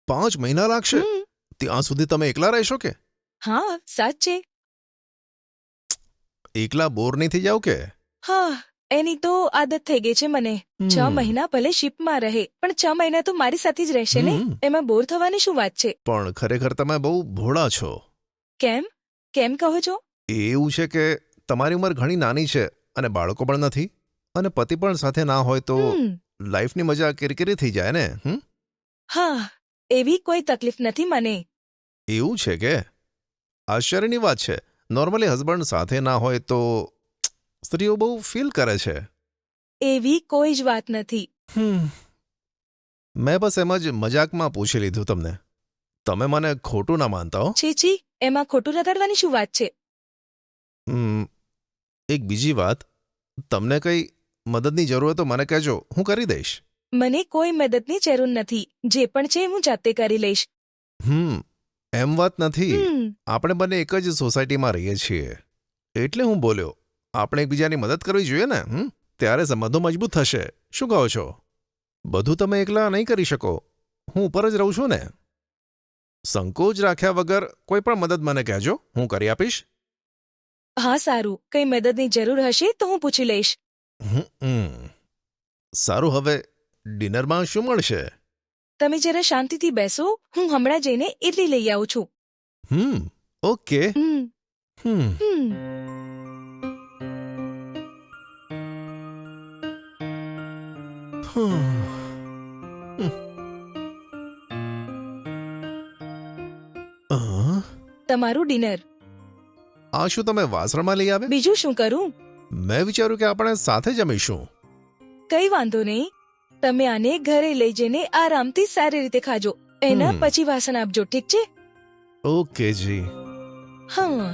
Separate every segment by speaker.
Speaker 1: 5 મહિના લાગશે? ત્યાં સુધી તમે એકલા રહેશો કે?
Speaker 2: હા સાચે.
Speaker 1: એકલા બોર નહીં થઈ જાવ કે?
Speaker 2: હા, એની તો આદત થઈ ગઈ છે મને. 6 મહિના ભલે શિપમાં રહે, પણ 6 મહિના તો મારી સાથે જ રહેશે ને. એમાં બોર થવાની શું વાત છે?
Speaker 1: પણ ખરેખર તમે બહુ ભોળા છો.
Speaker 2: કેમ કેમ કહો છો?
Speaker 1: એવું છે કે તમારી ઉંમર ઘણી નાની છે અને બાળકો પણ નથી, અને પતિ પણ સાથે ના હોય તો લાઈફની મજા કિરકિરી થઈ જાય ને.
Speaker 2: હા, એવી કોઈ તકલીફ નથી મને.
Speaker 1: એવું છે કે? આશ્ચર્યની વાત છે. નોર્મલી હસબન્ડ સાથે ના હોય તો સ્ત્રીઓ બહુ ફીલ કરે છે.
Speaker 2: એવી કોઈ જ વાત નથી.
Speaker 1: મેં બસ એમ જ મજાકમાં પૂછી લીધું તમને. તમે મને ખોટું ના માનતા હો.
Speaker 2: છી, એમાં ખોટું રગાડવાની શું વાત છે?
Speaker 1: એક બીજી વાત, તમને કઈ મદદની જરૂર હોય તો મને કહેજો, હું કરી દઈશ.
Speaker 2: મને કોઈ મદદની જરૂર નથી. જે પણ છે હું જાતે કરી લઈશ.
Speaker 1: એમ વાત નથી. આપણે બંને એક જ સોસાયટીમાં રહીએ છીએ એટલે હું બોલ્યો. આપણે એકબીજાની મદદ કરવી જોઈએ ને. ત્યારે સંબંધો મજબૂત થશે. શું કહો છો? બધું તમે એકલા નહીં કરી શકો. હું ઉપર જ રહું છું ને. સંકોચ રાખ્યા વગર કોઈ પણ મદદ મને કહેજો, હું કરી આપીશ.
Speaker 2: હા સારું, કઈ મદદની જરૂર હશે તો હું પૂછી લઈશ.
Speaker 1: સારું, હવે ડિનરમાં શું મળશે?
Speaker 2: તમે જરા શાંતિથી બેસો, હું હમણાં જઈને ઇડલી લઈ આવું છું.
Speaker 1: ઓકે.
Speaker 2: તમારું ડિનર.
Speaker 1: આ શું તમે વાસણમાં લઈ આવે?
Speaker 2: બીજું શું કરું?
Speaker 1: મેં વિચાર્યું કે આપણે સાથે જમીશું.
Speaker 2: કઈ વાંધો નહીં. તમે આને ઘરે લઈ જઈને આરામથી સારી રીતે ખાજો. એના પછી વાસણ આપજો, ઠીક છે?
Speaker 1: ઓકે જી.
Speaker 2: હા.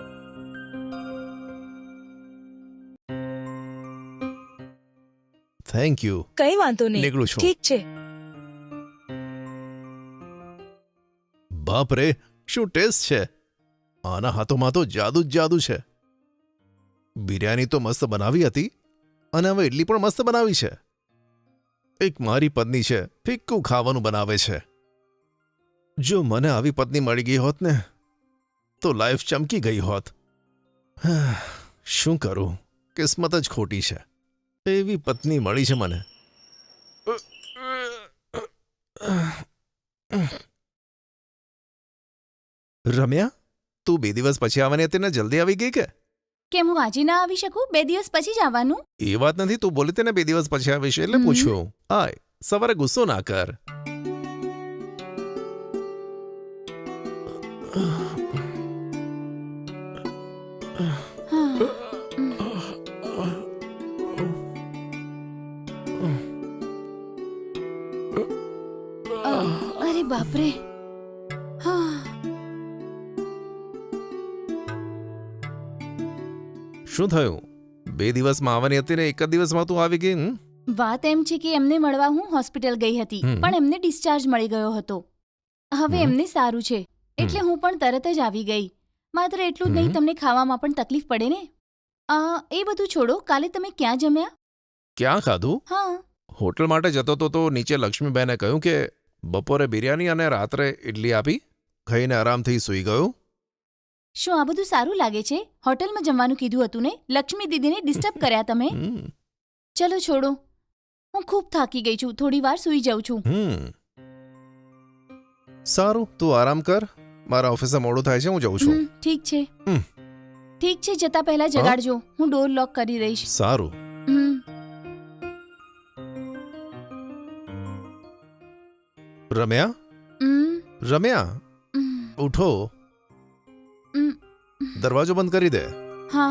Speaker 1: Thank you.
Speaker 2: કઈ વાંધો નહીં.
Speaker 1: નીકળું છું.
Speaker 2: ઠીક છે.
Speaker 1: બાપ રે, શું ટેસ્ટ છે! આના હાથોમાં તો જાદુ જ જાદુ છે. બિરયાની તો મસ્ત બનાવી હતી અને હવે ઇડલી પણ મસ્ત બનાવી છે. એક મારી પત્ની છે, ફિક્કું ખાવાનું બનાવે છે. જો મને આવી પત્ની મળી ગઈ હોત ને તો લાઈફ ચમકી ગઈ હોત. શું કરું, કિસ્મત જ ખોટી છે. એવી પત્ની મળી છે મને. રમ્યા, તું 2 દિવસ પછી આવવાની હતી ને જલ્દી આવી ગઈ કે?
Speaker 3: કેમ હું આજે ના આવી શકું? 2 દિવસ પછી જ આવવાનું.
Speaker 1: એ વાત નથી, તું બોલી તેને 2 દિવસ પછી આવીશ એટલે પૂછ્યું. આય, સવારે ગુસ્સો ના કર.
Speaker 3: અરે બાપરે.
Speaker 1: શું થયું? 2 દિવસમાં આવવાની હતી ને એક જ દિવસમાં તું આવી ગઈ?
Speaker 3: વાત એમ છે કે એમને મળવા હું હોસ્પિટલ ગઈ હતી, પણ એમને ડિસ્ચાર્જ મળી ગયો હતો. હવે એમને સારું છે એટલે હું પણ તરત જ આવી ગઈ. માત્ર એટલું જ નહીં, તમને ખાવામાં પણ તકલીફ પડે ને. એ બધું છોડો, કાલે તમે ક્યાં જમ્યા?
Speaker 1: ક્યાં ખાધું?
Speaker 3: હા,
Speaker 1: હોટલ માટે જતો તો નીચે લક્ષ્મીબેને કહ્યું કે બપોરે બિરયાની અને રાત્રે ઇડલી આપી. ખાઈને આરામથી સૂઈ ગયો.
Speaker 3: શું આ બધું સારું લાગે છે? હોટલમાં જમવાનું કીધું હતું ને. લક્ષ્મી દીદીને ડિસ્ટર્બ કર્યા તમે. ચલો છોડો, હું ખૂબ થાકી ગઈ છું, થોડી વાર સૂઈ જાઉં છું.
Speaker 1: સારું, તું આરામ કર. મારા ઓફિસે મોડું થાય છે, હું જઉં છું.
Speaker 3: ઠીક છે. ઠીક છે, જતા પહેલા જગાડજો, હું ડોર લોક કરી દઈશ.
Speaker 1: સારું. રમ્યા, રમ્યા, ઉઠો. દરવાજો બંધ કરી દે.
Speaker 3: હા.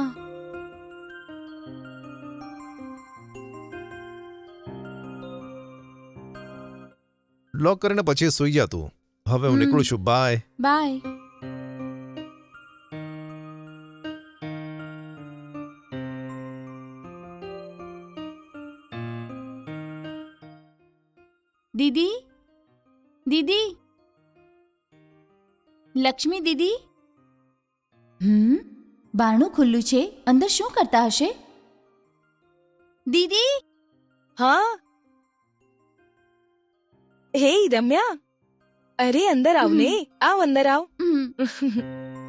Speaker 1: લોક કરીને પછી સૂઈ જા તું. હવે હું નીકળું છું. બાય.
Speaker 3: બાય. દીદી, દીદી, લક્ષ્મી દીદી. બારણું ખુલ્લું છે, અંદર શું કરતા હશે? દીદી.
Speaker 2: હા. હે રમ્યા, અરે અંદર આવ ને, આવ અંદર આવ.
Speaker 3: હમ.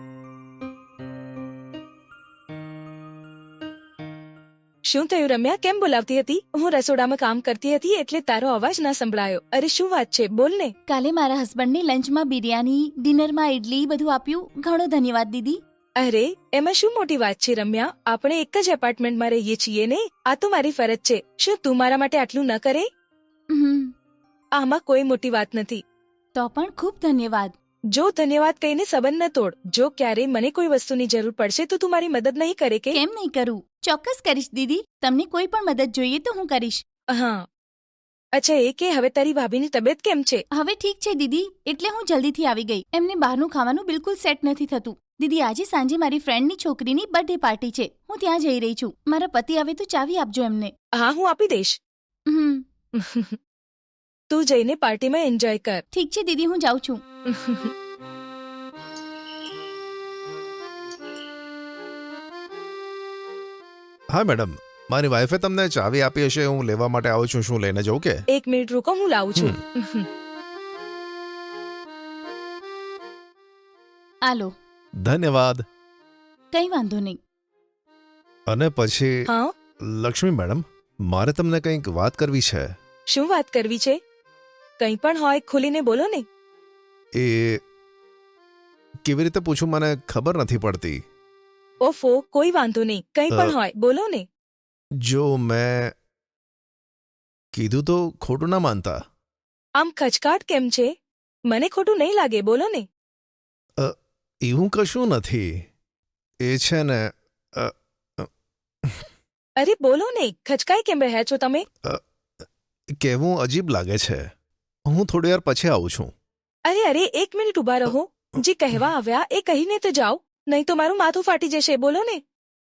Speaker 2: શું થયું રમ્યા, કેમ બોલાવતી હતી? હું રસોડામાં કામ કરતી હતી એટલે તારો અવાજ ના સંભળાયો. અરે શું વાત છે, બોલ ને.
Speaker 3: કાલે મારા હસબન્ડને લંચમાં બિરયાની, ડિનરમાં ઇડલી બધું આપ્યું. ઘણો ધન્યવાદ દીદી.
Speaker 2: અરે એમાં શું મોટી વાત છે રમ્યા, આપણે એક જ એપાર્ટમેન્ટમાં રહીએ છીએ ને, આ તો મારી ફરજ છે. શું તું મારા માટે આટલું ન કરે?
Speaker 3: હમ.
Speaker 2: આમાં કોઈ મોટી વાત નથી.
Speaker 3: તો પણ ખૂબ ધન્યવાદ.
Speaker 2: જો ધન્યવાદ કહીને સંબંધ ન તોડ. જો ક્યારેય મને કોઈ વસ્તુની જરૂર પડશે તો તું મારી મદદ નહીં કરે કે?
Speaker 3: કેમ નહીં કરું, ચોક્કસ કરીશ દીદી. તમને કોઈ પણ મદદ જોઈએ તો હું કરીશ.
Speaker 2: હા. અચ્છા એ કે હવે તારી ભાભીની તબિયત કેમ છે?
Speaker 3: હવે ઠીક છે દીદી, એટલે હું જલ્દીથી આવી ગઈ. એમને બહારનું ખાવાનું બિલકુલ સેટ નથી થતું. દીદી આજે સાંજે મારી ફ્રેન્ડની છોકરીની બર્થડે પાર્ટી છે, હું ત્યાં જઈ રહી છું. મારા પતિ આવે તો ચાવી આપજો એમને.
Speaker 2: હા હું આપી દઈશ.
Speaker 3: હમ.
Speaker 2: તું જઈને પાર્ટીમાં એન્જોય કર.
Speaker 3: ઠીક છે દીદી, હું જાઉં છું.
Speaker 1: હા મેડમ, મારી વાઈફે તમને ચાવી આપી હશે, હું લેવા માટે આવું છું. શું લઈને જવું કે?
Speaker 2: એક મિનિટ રૂકો, હું લાવું છું.
Speaker 3: આલો.
Speaker 1: ધન્યવાદ.
Speaker 3: કઈ વાંધો નહીં.
Speaker 1: અને પછી
Speaker 2: હા
Speaker 1: લક્ષ્મી મેડમ, મારે તમને કંઈક વાત કરવી છે.
Speaker 2: શું વાત કરવી છે? કંઈ પણ હોય ખુલીને બોલો ને.
Speaker 1: એ કેવી રીતે પૂછું, મને ખબર નથી પડતી.
Speaker 2: ઓફો, કોઈ વાંધો નહીં, કંઈ પણ હોય બોલો ને.
Speaker 1: જો મેં કીધું તો ખોટું ના માનતા.
Speaker 2: આમ ખચકાટ કેમ છે? મને ખોટું નહીં લાગે, બોલો ને.
Speaker 1: એવું કશું નથી. એ છે ને
Speaker 2: અરે બોલો ને, ખચકાઈ કેમ રહ્યા છો તમે?
Speaker 1: કહેવું અજીબ લાગે છે. હું થોડી વાર પછી આવું છું.
Speaker 2: અરે એક મિનિટ ઊભા રહો. જે કહેવા આવ્યા એ કહીને તો જાઓ, નહીં તો મારું માથું ફાટી જશે. બોલો ને.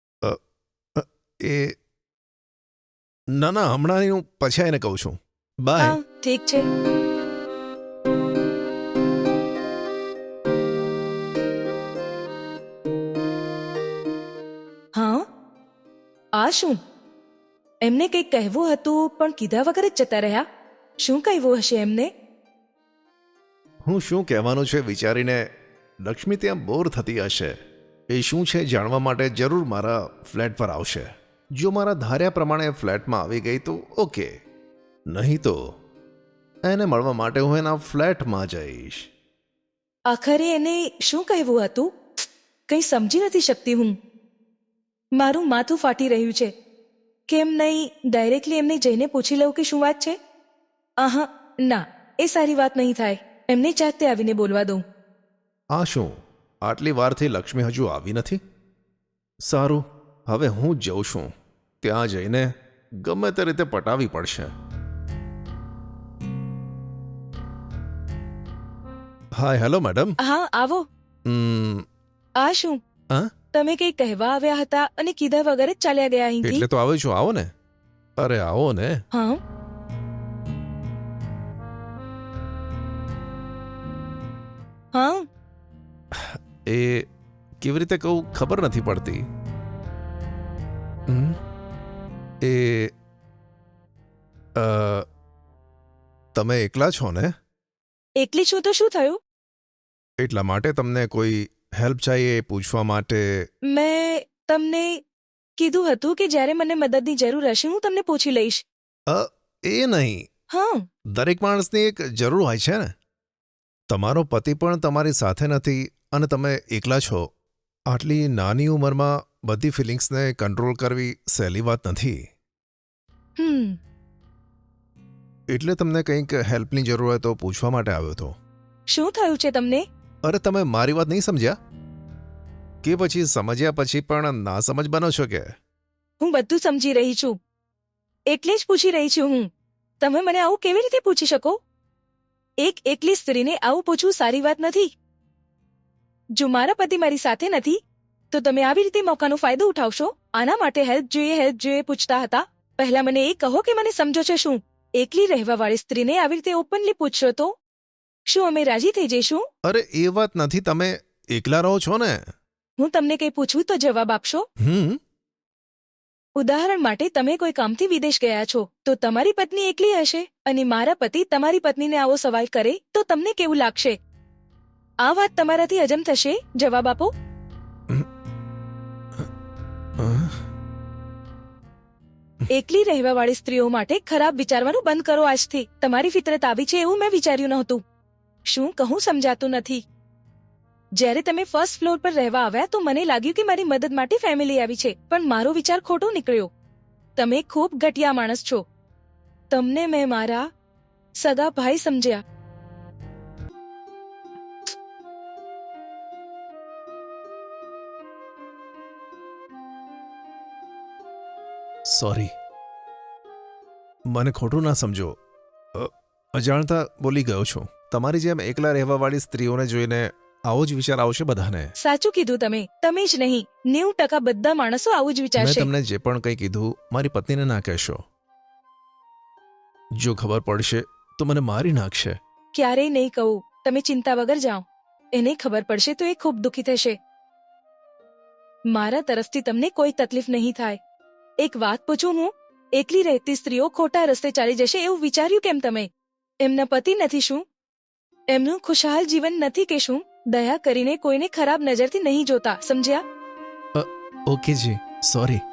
Speaker 1: એ ના હમણાં હું પછી આવીને કહું છું. બાય.
Speaker 2: હા ઠીક છે. હા આ શું? એમને કંઈક કહેવું હતું પણ કીધા વગર જ જતા રહ્યા. શું કહેવું હશે એમને?
Speaker 1: હું શું કહેવાનું છે વિચારીને લક્ષ્મી ત્યાં બોર થતી હશે. એ શું છે જાણવા માટે જરૂર મારા ફ્લેટ પર આવશે. જો મારા ધાર્યા પ્રમાણે ફ્લેટમાં આવી ગઈ તો ઓકે, નહીં તો એને મળવા માટે હું એના ફ્લેટમાં જઈશ.
Speaker 2: આખરે એને શું કહેવું હતું? કંઈ સમજી નથી શકતી હું. મારું માથું ફાટી રહ્યું છે. કેમ નહીં ડાયરેક્ટલી એમને જઈને પૂછી લઉં કે શું વાત છે? આહા ના, એ સારી વાત નહીં થાય. એમને જાતે આવીને બોલવા દઉં.
Speaker 1: આ શું, આટલી વારથી લક્ષ્મી હજુ આવી નથી? સારું, હવે હું જ જઉં છું. ત્યાં જઈને ગમે તે રીતે પટાવી પડશે. Hi hello madam.
Speaker 2: હા આવો. આ શું?
Speaker 1: હા?
Speaker 2: તમે કંઈ કહેવા આવ્યા હતા અને કીધા વગર જ ચાલ્યા ગયા અહીંથી?
Speaker 1: એટલે તો આવ્યો છું, આવો ને. અરે આવો ને.
Speaker 2: હા હા.
Speaker 1: એ કેવી રીતે કહું ખબર નથી પડતી. એ તમે એકલા છો ને?
Speaker 2: એકલી છું તો શું થયું?
Speaker 1: એટલા માટે તમને કોઈ હેલ્પ चाहिए એ પૂછવા માટે.
Speaker 2: મેં તમને કીધું હતું કે જ્યારે મને મદદની જરૂર હશે હું તમને પૂછી લઈશ.
Speaker 1: એ નહીં,
Speaker 2: હા
Speaker 1: દરેક માણસની એક જરૂર હોય છે ને. તમારો પતિ પણ તમારી સાથે નથી અને તમે એકલા છો. આટલી નાની ઉંમરમાં બધી ફિલિંગ્સને કંટ્રોલ કરવી સહેલી વાત નથી. એટલે તમને કંઈક હેલ્પની જરૂર હોય તો પૂછવા માટે આવ્યો હતો.
Speaker 2: શું થયું છે તમને?
Speaker 1: અરે તમે મારી વાત નહીં સમજ્યા કે પછી સમજ્યા પછી પણ ના સમજ બનો છો કે?
Speaker 2: હું બધું સમજી રહી છું, એટલે જ પૂછી રહી છું હું. તમે મને આવું કેવી રીતે પૂછી શકો? એક એકલી સ્ત્રીને આવું પૂછવું સારી વાત નથી. જો મારા પતિ મારી સાથે નથી તો તમે આવી રીતે મોકાનો ફાયદો ઉઠાવશો? આના માટે હેલ્પ જોઈએ પૂછતા હતા. પહેલા મને એ કહો કે મને સમજો છો શું? એકલી રહેવાવાળી સ્ત્રીને આવી રીતે ઓપનલી પૂછશો તો શું અમે રાજી થઈ જઈશું?
Speaker 1: અરે એ વાત નથી, તમે એકલા રહો છો ને.
Speaker 2: હું તમને કંઈ પૂછું તો જવાબ આપશો? ઉદાહરણ માટે તમે કોઈ કામથી વિદેશ ગયા છો તો તમારી પત્ની એકલી હશે અને મારા પતિ તમારી પત્નીને આવો સવાલ કરે તો તમને કેવું લાગશે? આ વાત તમારાથી હજમ થશે? જવાબ આપો. એકલી રહેવાવાળી સ્ત્રીઓ માટે ખરાબ વિચારવાનું બંધ કરો આજથી. તમારી ફિતરત આવી છે એવું મેં વિચાર્યું નહોતું. શું કહું સમજાતું નથી. જ્યારે તમે ફર્સ્ટ ફ્લોર પર રહેવા આવ્યા તો મને લાગ્યું કે મારી મદદ માટે ફેમિલી આવી છે, પણ મારો વિચાર ખોટો નીકળ્યો. તમે ખૂબ ઘટિયા માણસ છો. તમને મેં મારા સગા ભાઈ સમજ્યા.
Speaker 1: સોરી, મને ખોટું ના સમજો. અજાણતા બોલી ગયો છું. તમારી જેમ એકલા રહેવાવાળી સ્ત્રીઓને જોઈને આવો જ વિચાર આવશે બધાને.
Speaker 2: સાચું કીધું તમે. તમે જ નહીં, 90% બધા માણસો આવું જ
Speaker 1: મેં
Speaker 2: વિચારશે.
Speaker 1: તમને જે પણ કંઈ કીધું મારી પત્નીને ના કહેશો. જો ખબર પડશે તો મને મારી નાખશે.
Speaker 2: ક્યારેય નહીં કહું. તમે ચિંતા વગર જાઓ. એને ખબર પડશે તો એ ખૂબ દુઃખી થશે. મારા તરફથી તમને કોઈ તકલીફ નહીં થાય. એક વાત પૂછું હું? એકલી રહેતી સ્ત્રીઓ ખોટા રસ્તે ચાલી જશે એવું વિચાર્યું કેમ તમે? એમના પતિ નથી શું? એમનું ખુશહાલ જીવન નથી કે શું? દયા કરીને કોઈને ખરાબ નજરથી નહીં જોતા, સમજ્યા?
Speaker 1: ઓકે જી, સોરી.